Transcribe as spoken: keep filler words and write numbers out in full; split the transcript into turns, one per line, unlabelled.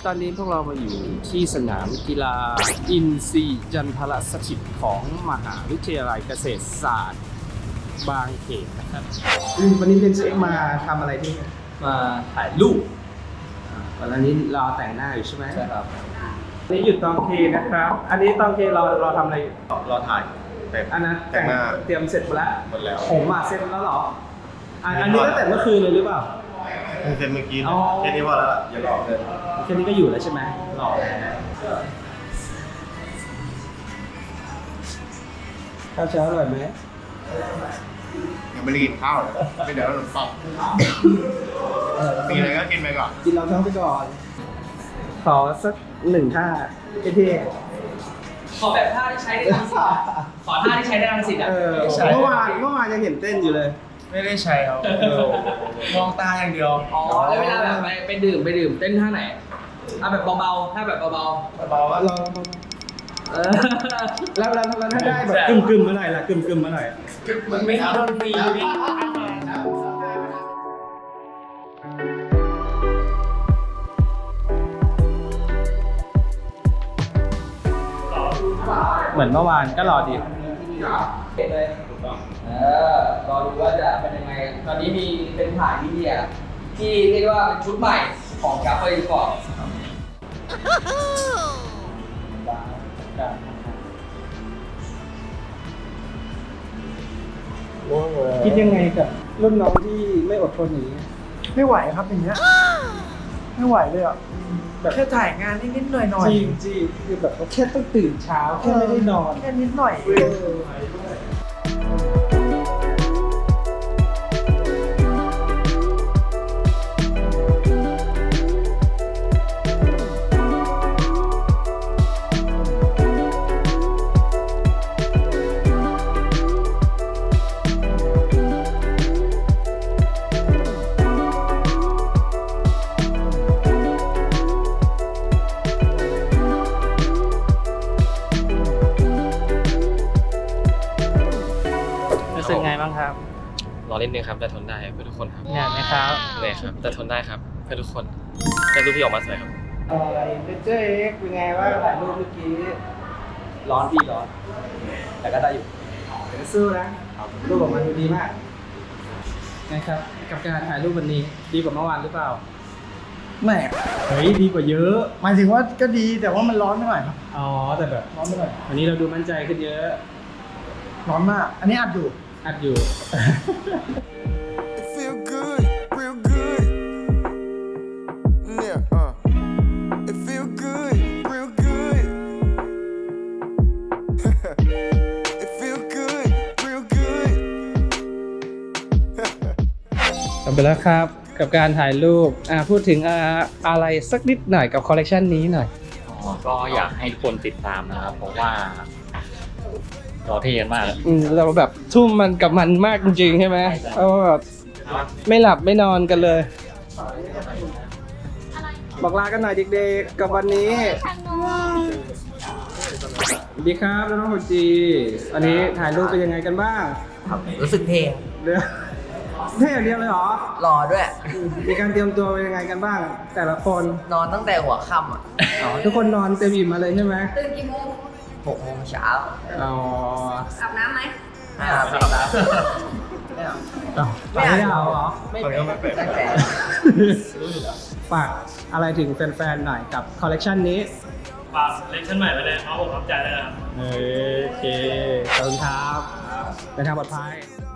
ตอนนี้พวกเรามาอยู่ที่สนามกีฬาอินทรีย์จันทรสถิตของมหาวิทยาลัยเกษตรศาสตร์บางเขนนะครับวันนี้เป็นเอ็กมาทำอะไรที่มาถ่ายรูปวันนี้เราแต่งหน้าอยู่ใช่ไหมใช่ครับอันนี้หยุดตองเคนะครับ อันนี้ตองเคเราเราทำอะไรเราถ่ายอันนั้นแต่งหน้าเตรียมเสร็จหมดแล้วหมดแล้วผมมาเสร็จแล้วเหรออันนี้ตั้งแต่เมื่อคืนเลยหรือเปล่า
เซ็นเมื่อกี้แค่นี้พอแล้วอย่าหลอกเลย
แค่นี้ก็อยู่แล้วใช่ไหมหลอกข้าวเช้าอร่อยไหม
ยังไม่ได้กินข้าวเลยไม่เดี๋ยวเราหนุนปังมีอะไรก็กินไปก่อน
กินเราท้องไปก่อนขอสักหนึ่งท่าเท่
ขอแบบท่าที่ใช้ในรังสิตขอท่าที่ใช้ในรังสิตอ่ะ
เมื่อวานเมื่อวานยังเห็นเต้นอยู่เลย
ไม่ได้ใช้ครับมองตาอย่างเดียว
อ๋อแล้วเวลาแบบไปไปดื่มไปดื่มเต้นท่าไหนเอาแบบเบาๆท่าแบบเบา
เบาๆ
ลองแล้วแล้วแล้วถ้าได้แบบกึ่มกึ่มเมื่อไหร่ล่ะกึ่มกึ่มเมื่อไหร่
มันไม่โดนฟรีพี่
เหมือนเมื่อวานก็รอดี
เห็นเลยเออรอดูว่าจะเป็นยังไงตอนนี้มีเป็นถ่ายวิดีโอที่เรียกว่าเป็นชุดใหม่ของกัฟเฟอร์ก่อน
คิดยังไงกับรุ่นน้องที่ไม่อดทนอย่างนี้
ไม่ไหวครับอย่างเงี้ยไม่ไหวเลยอ่ะแบบแค่ถ่ายงานนิดๆหน่อยๆ
จริงจริงคือแบบแค่ต้องตื่นเช้าแค่ไม่ได้นอน
แค่นิดหน่อย
รู้สึกไงบ้างครับ
รอเล่นนึงครับแต่ทนได้เพื่อทุกคนครับ
เหนื่อยไหมครับ
เหนื่อยครับแต่ทนได้ครับเพื่อทุกคนแต่รูปที่ออกมาสวยครับ
อะไรเจ๊เอ็กเป็นไงว่าถ่ายรูปเมื่อกี้ร้อนพี่ร้อนแต่ก็ได้อยู่เดี๋ยวสู้นะรูปออกมาดูดีมากนะครับกับการถ่ายรูปวันนี้ดีกว่าเมื่อวานหรือเปล่า
ไม่
เฮ้ยดีกว่าเยอะ
หมายถึงว่าก็ดีแต่ว่ามันร้อนไปหน่อยครับ
อ๋อแต่แบบ
ร้อนไปหน่อย
วันนี้เราดูมั่นใจขึ้นเยอะ
ร้อนมากอันนี้อัดอยู่
อัดอยู่จบไปแล้วครับกับการถ่ายรูปอ่าพูดถึงอ่าอะไรสักนิดหน่อยกับคอลเลกชันนี้หน่อย
อ๋อก็อยากให้ทุกคนติดตามนะครับเพราะว่าเราเท่กันมาก
อืมเราแบบทุ่มมันกับมันมากจริงๆใช่ไหมเพราะว่าแบบไม่หลับไม่นอนกันเลยบอกลากันหน่อยเด็กๆกับวันนี้สวัสดีครับน้องๆคนจีอันนี้ถ่ายรูปเป็นยังไงกันบ้าง
รู้สึกเท่
เดี๋ยวเท่อย่างเดียวเลยเหรอ
รอด้วย
มีการเตรียมตัวเป็นยังไงกันบ้างแต่ละคน
นอนตั้งแต่หัวค่ำอ่ะ
อ๋อทุกคนนอนเต็มอิ่มมาเลยใช่ไหม
ตื่นกี่โมง
หกโมงเช้า
อ๋อ
อาบน้ำไหม
ไม่อาบไม่อาบ
ไม่อาบไม่เอาเหรอ
ไม่เป็นไม่เป็น
ฝากอะไรถึงแฟนๆหน่อยกับคอลเลกชันนี้
ฝากคอลเลคชันใหม่ไปเลยเขาผมรับใจเลยนะครับ
โอเคขอบคุณครับเดินทางปลอดภัย